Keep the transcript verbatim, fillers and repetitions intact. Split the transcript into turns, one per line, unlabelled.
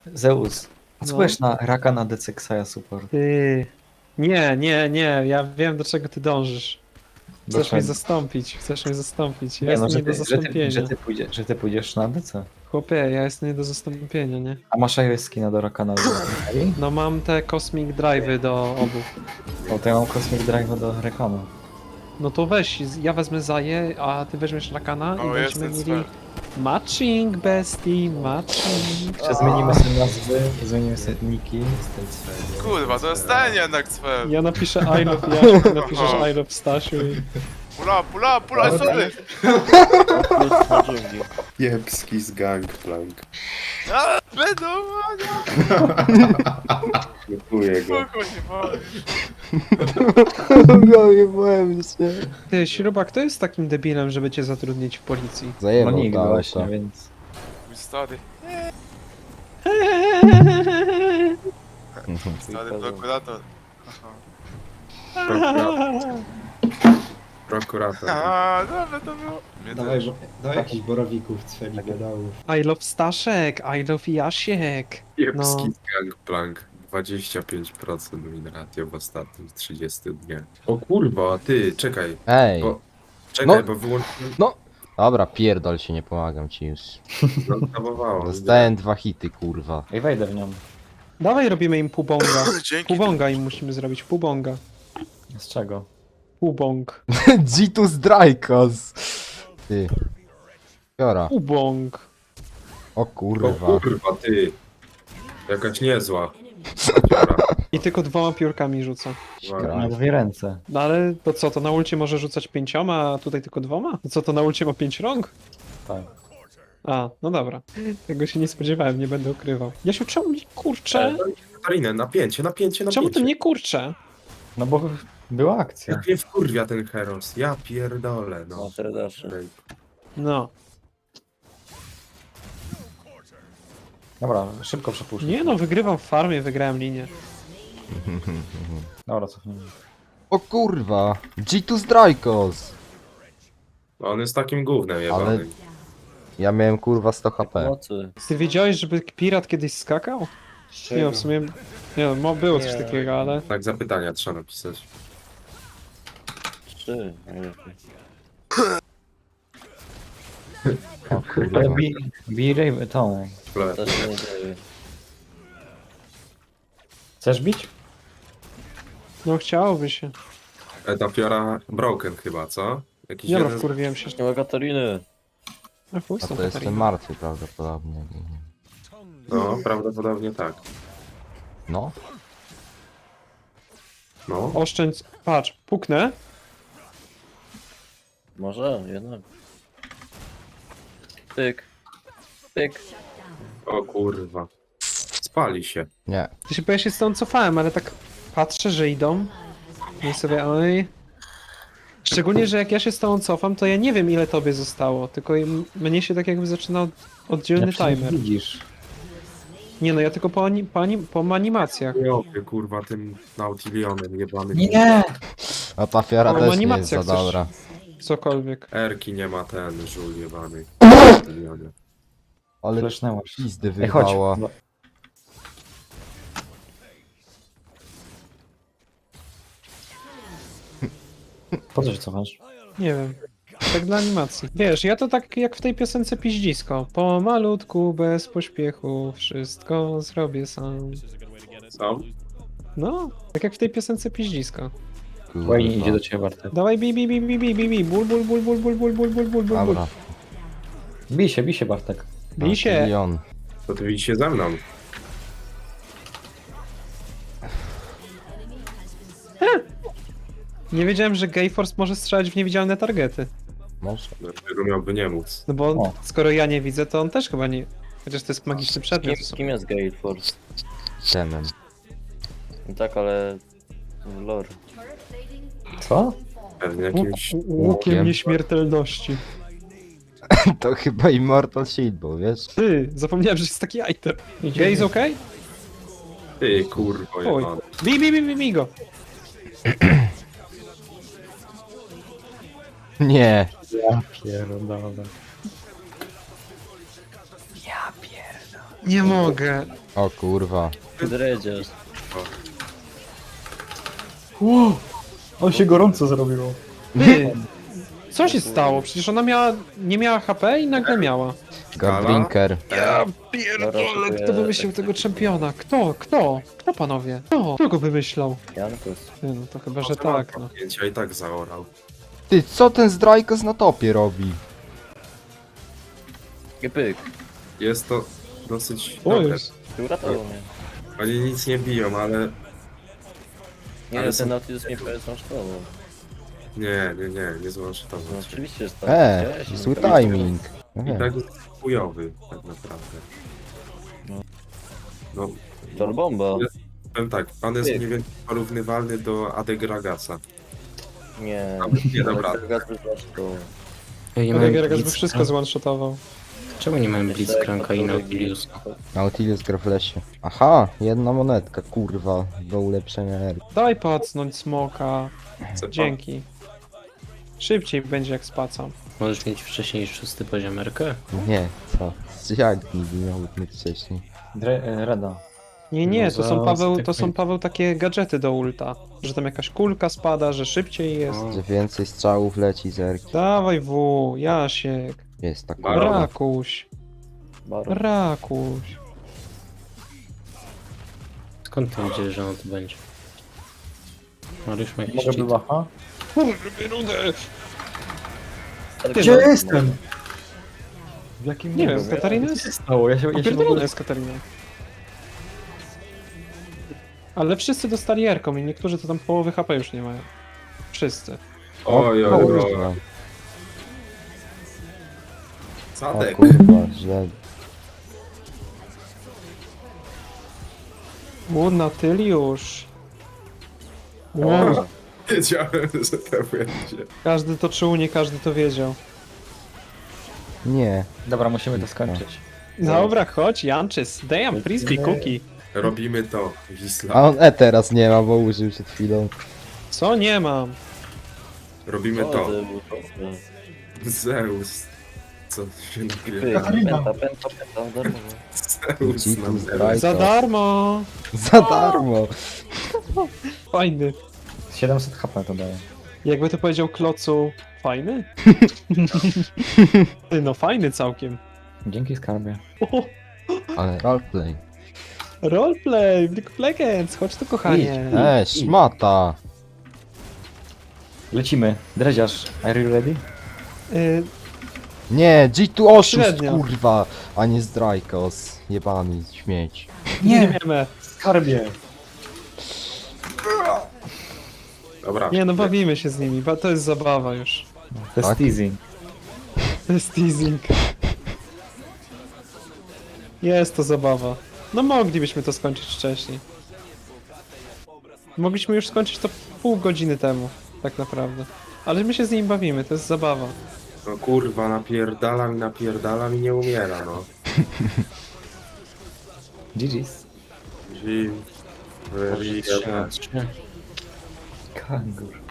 Zeus, a co
No.
powiesz na raka na Decexaja support?
Ty. Nie, nie, nie, ja wiem do czego ty dążysz.
Do
Chcesz mnie
czego?
zastąpić, chcesz mnie zastąpić. Ja
Nie no,
jestem
że
nie do
ty, że, ty, że,
zastąpienia.
ty pójdzie, że ty pójdziesz na D C.
Chłopie, ja jestem nie do zastąpienia, nie?
A masz iOS skina do raka na Decexaja?
No mam te Cosmic Drive'y do obu.
O, to ja mam Cosmic Drive do rekonu.
No to weź, ja wezmę Zaję, a ty weźmiesz Rakana i
O,
będziemy
jestem
mieli
Sven.
matching, bestie, matching.
Jeszcze zmienimy sobie nazwy, zmienimy sobie niki z tej sfery.
Kurwa, to jest ten jednak cwer.
Ja napiszę I love Jasiu, ty napiszesz I love Stasiu i...
Pula, pula, pula, sorry!
Jebski z Gangplank.
A, Będą,
Dziękuję go.
spoko, nie boi.
Ty, Śruba, kto jest takim debilem, żeby cię zatrudnić w policji?
No
Zajebał
nikt
to
właśnie,
auto.
więc...
Mój stary, stary prokurator.
Prokurator. Prokurator.
A, dobra, to było. Mnie
Dawaj,
też.
bo, dawaj jakichś borowików, cweli pedałów.
I love Staszek, I love Jasiek.
Jebski
No.
z Gangplank. dwadzieścia pięć procent win ratio w ostatnich trzydziestu dniach. O kurwa, ty, czekaj.
Ej,
Bo, czekaj,
No.
bo wyłączyłem.
dobra, pierdol się, nie pomagam ci już.
Zabawało.
Dostałem dwa hity, kurwa.
Ej, wejdę w nią.
Dawaj robimy im pubonga.
Dzięki.
Pubonga im musimy zrobić, pubonga.
Z czego?
Pubong.
Gitus Drykos! Ty. Piora.
Pubong.
O
O
kurwa.
kurwa, ty. Jakaś niezła.
I tylko dwoma piórkami rzuca.
Na dwie ręce.
No ale to co, to na ulcie może rzucać pięcioma, a tutaj tylko dwoma? To co, to na ulcie ma pięć rąk?
Tak.
A, no dobra. Tego się nie spodziewałem, nie będę ukrywał. Jasiu, czemu mnie kurczę?
Katarinę, napięcie, napięcie, napięcie.
Czemu ty mnie kurczę?
No bo była akcja.
Jak mnie wkurwia ten Heros. Ja pierdolę, no. Ej,
No.
Dobra, szybko przepuszczę.
Nie no, wygrywam w farmie, wygrałem linię.
Dobra, cofnijmy.
O kurwa. Gitus Drykos!
No on jest takim gównem jebanym.
Ja miałem kurwa sto HP.
Ty wiedziałeś, żeby pirat kiedyś skakał? Nie no, w sumie... Nie no, mo- było coś takiego, ale...
Tak zapytania trzeba napisać.
Trzy, najlepiej.
O kurwa.
Ale bi, bi Raven, tą.
Ple.
To się nie dzieje.
Chcesz bić?
No chciałoby się.
E, ta fiora broken chyba, co? Jakiś
Dobra,
jeden z...
wkurwiłem się.
Nie ma Katariny.
A chuj z
A
tą
to jestem
Katariną.
martwy prawdopodobnie.
No, prawdopodobnie tak.
No.
No.
Oszczędź... Patrz, puknę.
Może, jednak. Pyk. Pyk.
O kurwa. Spali się.
Nie.
Ty się, bo ja się stąd cofałem, ale tak patrzę, że idą. I sobie, oj... Szczególnie, że jak ja się z tobą cofam, to ja nie wiem ile tobie zostało, tylko im- mnie się tak jakby zaczyna od- oddzielny
Ja przecież
timer.
widzisz.
Nie no, ja tylko po, ani, po, anim, po animacjach.
Jopie, kurwa, tym Nautilionem jebanym.
Nie!
A ta fiara
O,
też nie jest
animacja
za
chcesz.
dobra.
Cokolwiek.
Erki nie ma ten żul jebany. Nautilionie.
Ale
Flesznęłaś.
pizdy
Ej, chodź.
wyrwała.
No. Po co się cofasz?
Nie wiem. Tak dla animacji. Wiesz, ja to tak jak w tej piosence Piździsko. Pomalutku, bez pośpiechu, wszystko zrobię sam.
Co?
No, tak jak w tej piosence Piździsko.
Wayne idzie
Kurwa.
do ciebie, Bartek.
Dawaj bi bi bi bi bi bi bi bul bul bul bul bul bul bul bul bul bul
Dobra.
Bij się, bij się, Bartek.
Bij się!
Milion.
To ty widzicie ze mną.
Nie wiedziałem, że Gayforce może strzelać w niewidzialne targety.
Może.
Dlaczego miałby nie móc?
No bo
O.
skoro ja nie widzę, to on też chyba nie... Chociaż to jest magiczny
Kim,
przedmiot.
kim jest Gale Force?
Temem.
No tak, ale... w lore.
Co?
Pewnie
Łuk,
jakimś...
łukiem
łukiem.
nieśmiertelności.
To chyba Immortal Shield był, wiesz?
Ty, zapomniałem, że jest taki item. Gay jest okej?
Ty kurwo
Oj.
jebany.
Bij, bij, bij, bij, bij go.
Nie.
Ja pierdolę.
Nie mogę.
O kurwa.
Dredziarz.
Wow, on się gorąco zrobiło.
Ty, co się stało? Przecież ona miała, nie miała H P i nagle miała.
Gardrinker.
Ja pierdolę, kto wymyślił tego czempiona? Kto? Kto? Kto panowie? Kto? Kto go wymyślał?
Jankus.
Ty, no to chyba, że tak, no.
Ja i tak zaorał.
Ty, co ten Zdrajkos na topie robi?
I pyk.
Jest to dosyć
O,
dobre.
jest.
Ty uratował mnie.
Oni nic nie biją, ale...
Nie,
Ale
ale
są-
ten Nautilus mnie prawie zmasztował.
Nie, nie, nie, nie złączę to.
No oczywiście, że tak.
E,
Widziałeś?
zły
No,
timing. No
I
wiem.
tak jest chujowy, tak naprawdę.
No.
No,
To bomba.
powiem tak, pan jest
Ty.
mniej więcej porównywalny do Adegragasa.
Nie.
Nie, dobra.
Gaz by zmasztował.
Ja nie
Rodek
mam
Ragas by
Blitz-
wszystko zone-shotował.
Czemu nie mamy Blitzcranka i Nautiliusa?
Nautilus gra w lesie. Aha, jedna monetka, kurwa, do ulepszenia R.
Daj pacnąć smoka.
Chce pan-
Dzięki. Szybciej będzie jak spacam.
Możesz mieć wcześniej szósty poziom R K?
Nie, co? Jak nigdy miał być wcześniej?
Rada.
Nie, nie,
No
to
za-
są Paweł,
za
to są
tych-
Paweł takie gadżety do ulta. Że tam jakaś kulka spada, że szybciej jest.
O.
Że więcej strzałów leci z Erki.
Dawaj W, Jasiek.
Jest tak.
Barona.
Rakuś.
Baron.
Rakuś.
Skąd ty wiedziesz, że on tu będzie? Mariusz ma jakiś
Mogę
cheat.
była?
Gdzie
jestem? W jakim
Nie wiem,
niebie?
Katarina
Co
jest...
się stało? Ja się, ja się w
Opierdolona
ogóle...
jest Katarina. Ale wszyscy dostali Erką i niektórzy to tam połowy H P już nie mają. Wszyscy.
Oj,
O
oj, oj.
kurwa, o
Sadek.
kurwa, źle.
U, Natyliusz. Wow.
O, wiedziałem, że to będzie.
Każdy to czuł, nie każdy to wiedział.
Nie.
Dobra, musimy to skończyć.
Dobra, chodź, Janczys. Damn, frisbee cookie.
Robimy to, Wisla.
A on E teraz nie ma, bo użył przed chwilą.
Co nie mam?
Robimy
O,
to.
to był to.
Zeus. Co się
Pyk.
napiera?
Penta, penta, penta. Darmowo.
Zeus
G two
nam
Strike.
Za darmo.
Za darmo!
Fajny.
siedemset H P to daje.
Jakby to powiedział Klocu, fajny? Ty, no fajny całkiem.
Dzięki skarbie.
O,
Ale roleplay.
roleplay, w League of Legends, chodź tu kochanie.
E, szmata!
Lecimy. Dreziarz, are you ready?
Y,
Nie, G two oszust,
Średnio.
kurwa! A nie Zdrajkos. Jebany śmieć.
nie wiemy.
Skarbie!
Dobra.
Nie no, bawimy się z nimi, bo to jest zabawa już.
To jest
Tak?
teasing.
To jest teasing. Jest to zabawa. No moglibyśmy to skończyć wcześniej. Mogliśmy już skończyć to pół godziny temu, tak naprawdę. Ale my się z nimi bawimy, to jest zabawa.
No kurwa, napierdalam i napierdalam i nie umiera, no.
G G's.
Jim.
Może trzy na trzy.
Kangur.